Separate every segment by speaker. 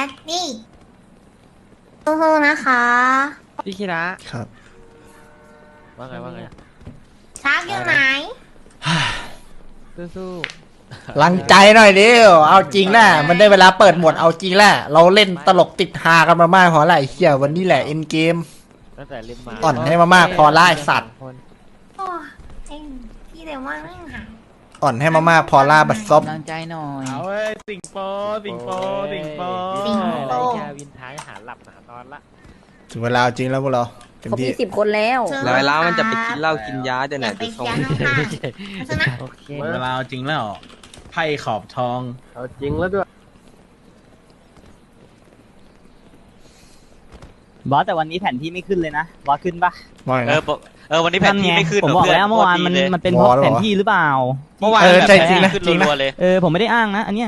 Speaker 1: ดดี้สู้ๆนะคะ
Speaker 2: พี่คิระ
Speaker 3: ครับ
Speaker 2: ว่าไง
Speaker 1: ชักอยู่ไหน
Speaker 2: สู้
Speaker 3: ลังใจหน่อยดิเอาจริงแหละมันได้เวลาเปิดหมวดเอาจริงแหละเราเล่นตลกติดฮากันมามากพอละไอ้เหี้ยวันนี้แหละเอ็นเกม
Speaker 2: ตั้งแต่เล่นมา
Speaker 3: อ่อนให้มากๆพอละไอ้สัตว์
Speaker 1: โอ้เอ็งพี่เดี๋ยวว่านั่งหา
Speaker 3: อ่อนให้มากๆพอละบัดซบ
Speaker 4: กำลังใจหน่อย
Speaker 2: เอาเว้ยสิงโป
Speaker 1: สิงโป
Speaker 2: ได้แค่วินท้ายหาหลับหานอนละ
Speaker 3: ถึงเวลาเอาจริงแล้วพวกเราเต็ม
Speaker 4: ครบ
Speaker 3: ที่
Speaker 4: 20 คนแล้ว
Speaker 5: แล้วเวลามันจะไปกินเหล้ากินยาเดี๋ยวไหน
Speaker 1: ไป
Speaker 5: จะส่ง
Speaker 1: ยาข้างๆฉะนั้น
Speaker 2: โอเค
Speaker 6: เวลาเอาจริงแล้วไพ่ขอบทอง
Speaker 2: เอาจริงแล้วด้วย
Speaker 4: บอสแต่วันนี้แผนที่ไม่ขึ้นเลยนะ บอสขึ้นปะ
Speaker 3: ว่าไงนะ
Speaker 7: วันนี้แผนที่ไม่ขึ้น
Speaker 4: ผมบอกแล้วเมื่อวานมันเป็นเพราะแผนที่หรือเปล่า
Speaker 7: เมื่อวาน
Speaker 3: ใจจริงนะ
Speaker 7: ขึ้น
Speaker 3: จริงนะ
Speaker 7: รัวๆเลย
Speaker 4: ผมไม่ได้อ้างนะ อันเนี้ย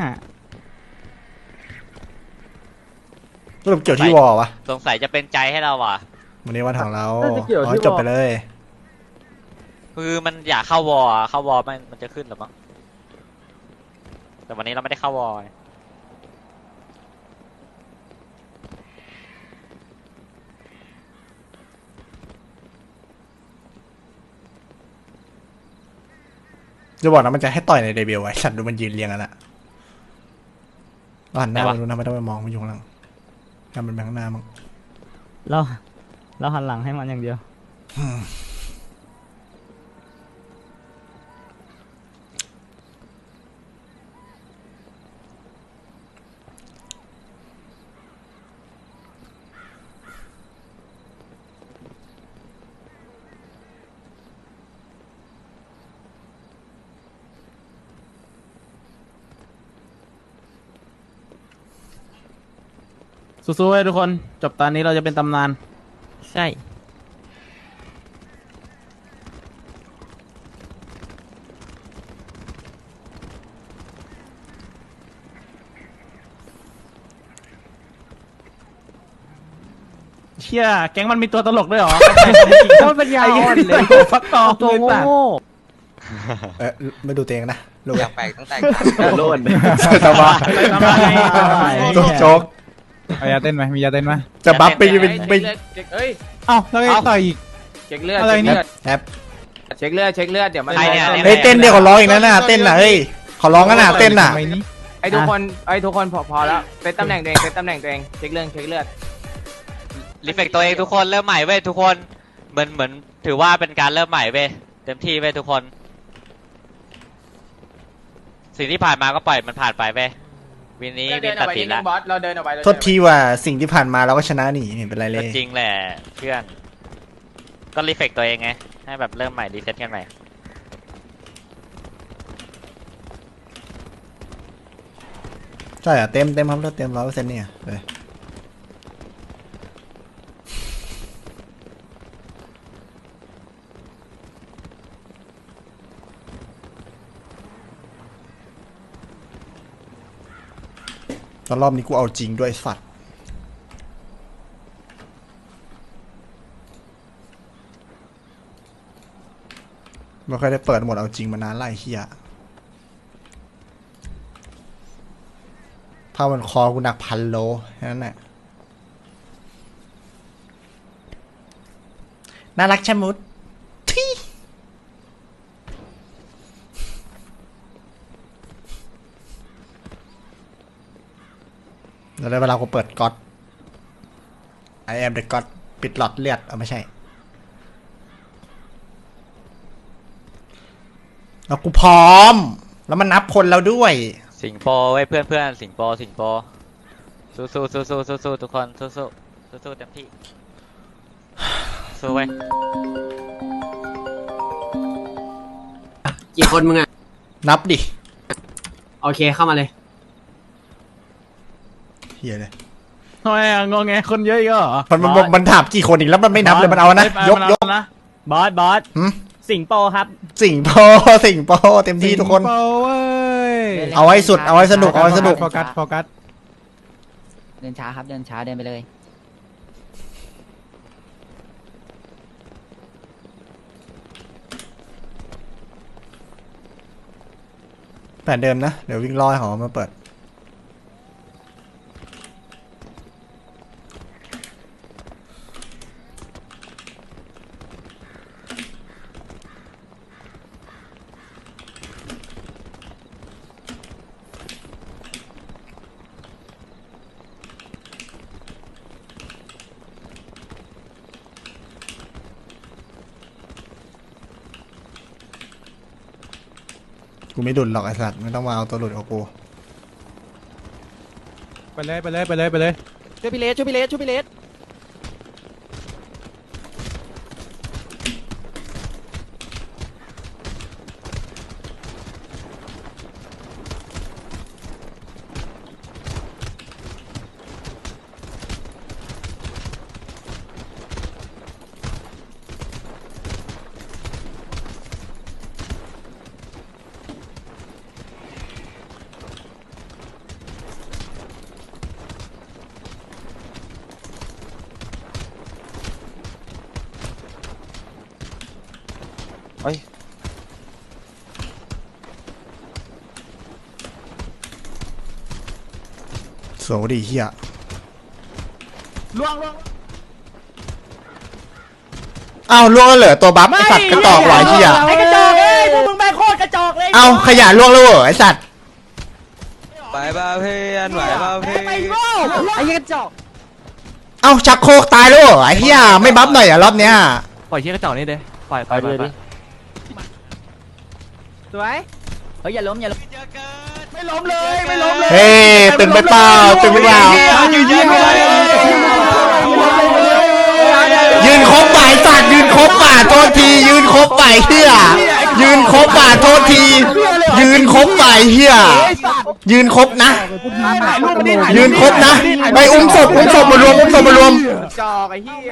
Speaker 3: สรุปเกี่ยวที่วอวะ
Speaker 7: สงสัยจะเป็นใจให้เราว่ะ
Speaker 3: วันนี้วันของเราอ๋อจบไปเลย
Speaker 7: คือมันอยากเข้าวอเข้าวอมันจะขึ้นหรือมั้งแต่วันนี้เราไม่ได้เข้าวอ
Speaker 3: จะบอกนะมันจะให้ต่อยในเดบิวต์ไว้ฉันดูมันยืนเรียงกันอะหันหน้าไปดูนะไม่ต้องไปมองมันอยู่ข้างหลังทำมันไปข้างหน้ามั้ง
Speaker 4: เราหันหลังให้มันอย่างเดียว
Speaker 6: สู้ๆให้ทุกคนจบตอนนี้เราจะเป็นตำนาน
Speaker 2: ใช่
Speaker 6: เชี่ยแก๊งมันมีตัวตลกด้วยเหรอ
Speaker 2: โคตรปัญญาอ่อนเลย
Speaker 6: ฟักกอง
Speaker 2: ตัว
Speaker 6: เลยสัตว์
Speaker 2: โง่
Speaker 3: ไม่ดูเตียงนะรู้
Speaker 5: อ
Speaker 3: ไหม
Speaker 5: ยากแปลกตั้งแต่
Speaker 2: โลน
Speaker 3: สบาย
Speaker 6: ทำไม
Speaker 3: โจ๊ก
Speaker 6: มียาเต้นไหมมียาเต้นไหม
Speaker 3: จะบัฟไปไป
Speaker 5: เอ้ย
Speaker 6: เอ้าแล้วไงต่ออีก
Speaker 5: เช็คเลือด
Speaker 6: อะไรเนี่ย
Speaker 3: แอป
Speaker 5: เช็คเลือดเดี๋ยวมัน
Speaker 7: ใครเนี่ย
Speaker 3: เฮ้ยเต้นเดี๋ยวขอร้องอีกนะน่ะเต้นน่ะเฮ้ยขอร้องกันน่ะเต้นน่ะ
Speaker 6: ทำไมนี่
Speaker 5: ไอ้ทุกคนพอแล้วเป็นตำแหน่งตัวเองเช็คเลือด
Speaker 7: รีเฟกตัวเองทุกคนเริ่มใหม่เว้ยทุกคนเหมือนถือว่าเป็นการเริ่มใหม่เว้ยเต็มที่เว้ยทุกคน สิ่งที่ผ่านมาก็ปล่อยมันผ่านไปเว้ยวินนี้วินตัดสินแล้ว
Speaker 5: บอสเราเดินออกไป
Speaker 3: โทษทีว่าสิ่งที่ผ่านมาเราก็ชนะหนีไม่เป็นไรเล
Speaker 7: ก็
Speaker 3: ย
Speaker 7: จริงแหละเพื่อนก็รีเฟกตัวเองไงให้แบบเริ่มใหม่รีเซ็ตกันใหม่
Speaker 3: ใช่อะเต็มครับเราเต็ม100%เนี่ยเลยตอนรอบนี้กูเอาจริงด้วยสัตว์ไม่ค่อยได้เปิดหมดเอาจริงมานานไล่เฮียผ้ามันคอกูหนัก1,000 โลแค่นั้นแหละน่ารักชะมุดที่แล้วได้เวลากูเปิดก๊อต I am the god ปิดหลอดเลือดเอาไม่ใช่แล้วกูพร้อมแล้วมันนับคนแล้วด้วย
Speaker 7: สิงโปไว้ยเพื่อนสิงโปสู้ทุกคนสู้เต็มที่สู้ไว้ย
Speaker 8: กี่คนมึงอ่ะ
Speaker 3: นับดิ
Speaker 8: โอเคเข้ามาเลย
Speaker 3: เฮียเลย
Speaker 6: ทำไมอ่ะงงไงคนเยอะอีกเหรอ
Speaker 3: มันถามกี่คนอีกแล้วมันไม่นับเลยมันเอานะยก
Speaker 6: นะ
Speaker 4: บอส
Speaker 3: หืม
Speaker 4: สิงโปครับ
Speaker 3: สิงโปเต็มที่ทุกคน
Speaker 6: สิงโตเว้ย
Speaker 3: เอาไว้สุดเอาไว้สนุกเอาไว้สนุก
Speaker 6: โฟกัส
Speaker 4: เดินช้าครับ เดินช้าเดินไปเลย
Speaker 3: แผนเดิมนะเดี๋ยววิ่งร้อยของมาเปิดกูไม่ดุนหรอกไอ้สัตว์ไม่ต้องมาเอาตัวหลุดของกู
Speaker 6: ไปเลยไปเลยไปเลยไปเลย
Speaker 4: ช่วยพี่เลสช่วยพี่เลสช่วยพี่เลส
Speaker 3: โสดีเฮีย
Speaker 6: ล่วงล่วง
Speaker 3: อ้าวล่วงแล้วเหรอตัวบัฟไอ้สัตว์กระจอกหวายเฮีย
Speaker 4: ไอ้กระจอกเอ้ยพวกมึงแม่งโคตรกระจอกเลย
Speaker 3: เอ้าขยะล่วงแล้วเหรอไอ้สัตว์
Speaker 7: ไปบ้าเพื่อนไหวบ้าเพื่อน
Speaker 4: ไอ้โง่ไอ้กระจอก
Speaker 3: เอ้าชักโครกตายแล้วเหรอไอ้เฮียไม่บัฟหน่อยอ่ะรอบเนี้ย
Speaker 6: ปล่อยเชี่ยกระจอกนี่เด้ปล่อยไปดิ
Speaker 4: สวยเฮ้ยอย่าล้มอย่าล้ม
Speaker 6: ไม่ล้มเลยไม่ล้มเลย
Speaker 3: เฮ้ยตึงไปเปล่าตึงไปเปล่า
Speaker 6: ยืนไปเลย
Speaker 3: ยืนครบป่าไอ้สัตว์ยืนครบป่าโทษทียืนครบป่าเฮียยืนครบป่าโทษทียืนครบป่าเฮียยืนครบนะ
Speaker 6: ถ่ายรูปมาดิ
Speaker 3: ยืนครบนะไปอุ้มศพมารวมอุ้มศพมารวม
Speaker 5: จอกไอ้เหี้ย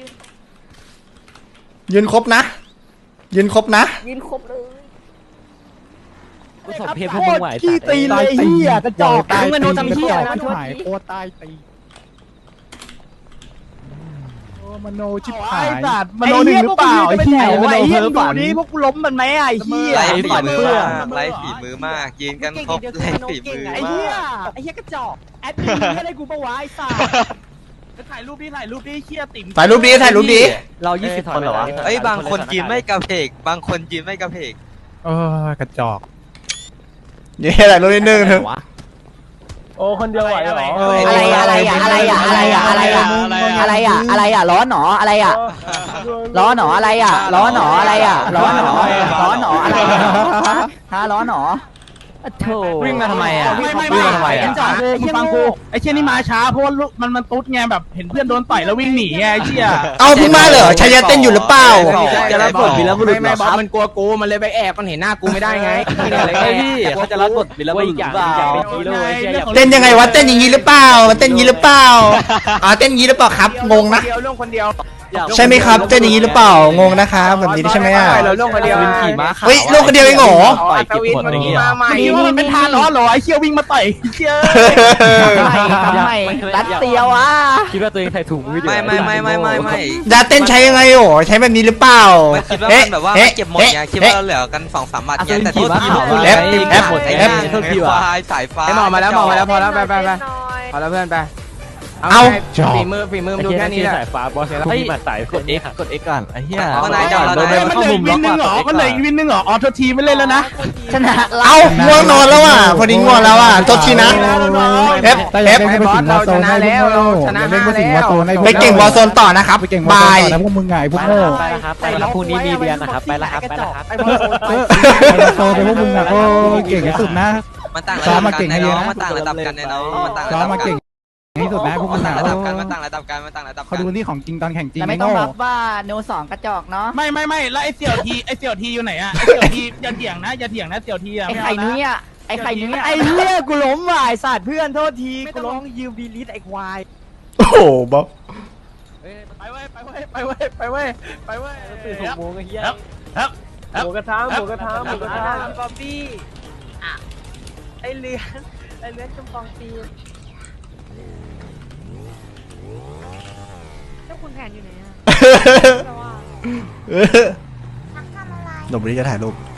Speaker 3: ยืนครบนะ ยืนครบนะ
Speaker 2: กูสอบเพชรพวกมึงไหวสัตว์
Speaker 4: ตีเลยเหี้ยกระจอก
Speaker 6: มึง
Speaker 4: มโนทำเหี้ยนะ
Speaker 6: หายโคตรตายตีโอ้มโนชิบหายสัตว์มโนหนึ่งหรือเปล่าไอ้เหี้ยมโน
Speaker 4: ไอ้เหี้ย
Speaker 6: เพ้อ
Speaker 4: ดู
Speaker 6: ฝัน
Speaker 4: นี้พวกกูล้มมันไหมไอ้เหี้ย
Speaker 7: ไล่ฝีมือมากไล่ฝีมือมากยืนกันครบไล่ฝีมือ
Speaker 4: ไอ้
Speaker 7: มา
Speaker 4: เหี้ย
Speaker 7: ก
Speaker 4: ไอ้เหี้ยกระจอกแอดมินให้ได้กูปะวะไอ้สัส
Speaker 6: ถ่ายรูปดิถ่ายรูปดิเหี้ยติ๋ม
Speaker 3: ถ่ายรูปดีถ่ายรูปดี
Speaker 2: เรา20 คนเหรอวะ
Speaker 7: เอ้ยบางคนยืนไม่กระเพกบางคนยืนไม่กระเพก
Speaker 6: เออกระจอก
Speaker 3: เย้ถ่ายรูปนิดนึงเถอะ
Speaker 6: โอ้คนเดียวไหวเหรอ
Speaker 4: ล้อหนออะไรอ่ะล้อหนออะไรอ่ะล้อหนออะไรอ่ะล้อหนอล้อหนออะไรฮะล้อหนอโธ่
Speaker 6: วิ่งมาทำไมอ่ะ
Speaker 4: ไม่
Speaker 6: วิ่งมาทำไมอ่ะ
Speaker 4: จอดเลย
Speaker 6: มึงฟังกูไอ้เชี่ยนี่มาช้าเพราะว่ามันตุ๊ดไงแบบเห็นเพื่อนโดนต่อยแล้ววิ่งหนีไงไอ้เชี่ย
Speaker 3: เอาเพิ่งมาเหรอชายาเต้นอยู่หรือเปล่า
Speaker 5: จะรับบทวีรบุรุษไม่บอสมันกลัวกูมันเลยไปแอบมันเห็นหน้ากูไม่ได้ไงพี่เขาจะรับบทวีรบุรุษหรือเปล่า
Speaker 2: เป็นฮีโร่ไอ้เหี้ย
Speaker 3: เต้นยังไงวะเต้นอย่างนี้หรือเปล่าเต้นอย่างนี้หรือเปล่าเต้นอย่างนี้หรือเปล่าครับงงนะ
Speaker 5: เรื่องคนเดียว
Speaker 3: ใช่ไหมครับเต้นอย่างนี้หรือเปล่างงนะครับแบบนี้ใช่ไหมอ่ะ
Speaker 5: เราเรื่องคนเดียวขี่ม้า
Speaker 3: เฮ้ยลูกคนเดียวเองเหรอ
Speaker 5: ต่อยกิบหมดอย่างเงี้ยมาใหม่
Speaker 6: นี่มันเป็นทานล้อเหรอไอ้เชี่ยวิ่งมาต่อยเชี่ย
Speaker 4: ทำไมรัดเตียวอ่ะ
Speaker 2: คิดว่าตัวเองใส่ถุงมืออยู่
Speaker 7: ไม่
Speaker 3: ยาเต้นใช้ยังไงโอ้ใช้แบบนี้หรือเปล่า
Speaker 7: มันคิดว่ามันแบบว่าไม่เก็บหมดไงคิดว่าเราเหลือกัน2-3หมัดไงแต่โทษทีพวกคุณควายสายฟ้า
Speaker 5: ไอ้หมอมาแล้วพอแล้วพอแล้วเพื่อนไปฝีมือมึงดูแค่นี้แหละ
Speaker 2: สายฟ้าบอสแล้วพี่มาสายกด X กด X ก่อนไอ้เหี้ย
Speaker 6: มันเลยวินหนึ่งเหรอมันเลยวินหนึ่งเหรออ๋อโทษทีไม่เล่นแล้วนะ
Speaker 4: ชนะ
Speaker 3: เอาง่วงนอนแล้วอ่ะพอดีง่วงแล้วอ่ะโทษทีนะเอฟ
Speaker 5: ไอ้บอสเราชนะแล้วเราชนะแล้ว
Speaker 3: ไปเก่งวอลโซนต่อนะครับบาย
Speaker 6: พวกมึงไงพวกโง่
Speaker 2: ไปแล้วครับไปแล้วพรุ่งนี้มีเรียนนะครับไปแล้วครับไปแล้วครับ
Speaker 6: โตไปพวกมึงอ่ะโอ้เก่งที่สุดนะ
Speaker 7: มันต่างระดับกันในน้องมันต่างระดับกันในน้องมันต่างระดับกัน
Speaker 6: ที่สุดนะพวกมึง
Speaker 7: มัน
Speaker 6: อ่ะ
Speaker 7: ต่างระดับกันมันต่างระดับกันมันต่างระดับ
Speaker 6: เขา
Speaker 7: กัน
Speaker 6: ดูที่ของจริงตอนแข่งจริง
Speaker 4: แต่ไม่ต้องรับว่าโนสองกระจอกเนาะ
Speaker 6: ไม่แล้วไอ้เสี่ยวทีอยู่ไหนอ่ะไอ้เสี่ยวทีอย่าเถียงนะเสี่ยวทีอ่ะ
Speaker 4: ไอ้ไข่นี้อ่ะไอ้ไข่นี้ไอ้เหี้ยกูล้มว่ะไอ้สัตว์เพื่อนโทษทีกูล้มยืมบีลิสไอ้ควาย
Speaker 3: โอ้โหบ๊อบ
Speaker 6: ไปเว้ย
Speaker 2: ตื่น6 โมงไอ้เหี้ย
Speaker 5: หมูกระทะ
Speaker 2: บ๊อบบี้ไอ้เลือนจมปองตีน
Speaker 1: เจ้าคุณแผนอยู่ไหนอะ
Speaker 3: หนุ่มนี้จะถ่ายรูป